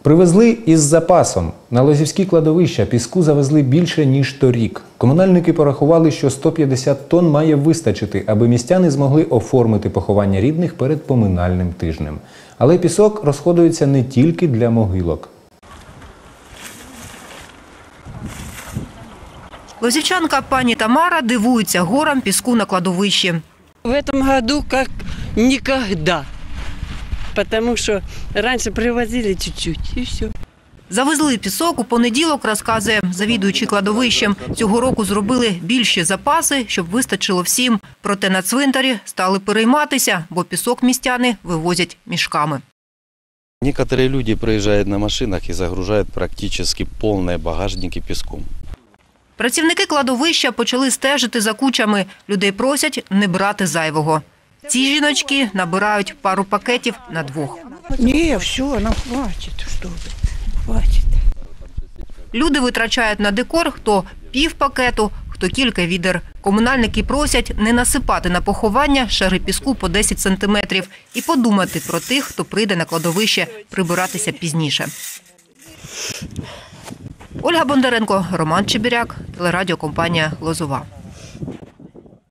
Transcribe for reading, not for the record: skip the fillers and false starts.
Привезли із запасом. На Лозівські кладовища піску завезли більше, ніж торік. Комунальники порахували, що 150 тонн має вистачити, аби містяни змогли оформити поховання рідних перед поминальним тижнем. Але пісок розходується не тільки для могилок. Лозівчанка пані Тамара дивується горам піску на кладовищі. В этом году как никогда, потому что раньше привозили чуть-чуть и все. Завезли пісок у понеділок, розказує завідуючий кладовищем. Цього року зробили більші запаси, щоб вистачило всім. Проте на цвинтарі стали перейматися, бо пісок містяни вивозять мішками. Некоторые люди приезжают на машинах и загружают практически полные багажники песком. Працівники кладовища почали стежити за кучами. Людей просять не брати зайвого. Ці жіночки набирають пару пакетів на двох. Ні, все, нам хватить, що ви, хватить. Люди витрачають на декор хто пів пакету, хто кілька відер. Комунальники просять не насипати на поховання шари піску по 10 сантиметрів і подумати про тих, хто прийде на кладовище прибиратися пізніше. Ольга Бондаренко, Роман Чебіряк, телерадіокомпанія «Лозова».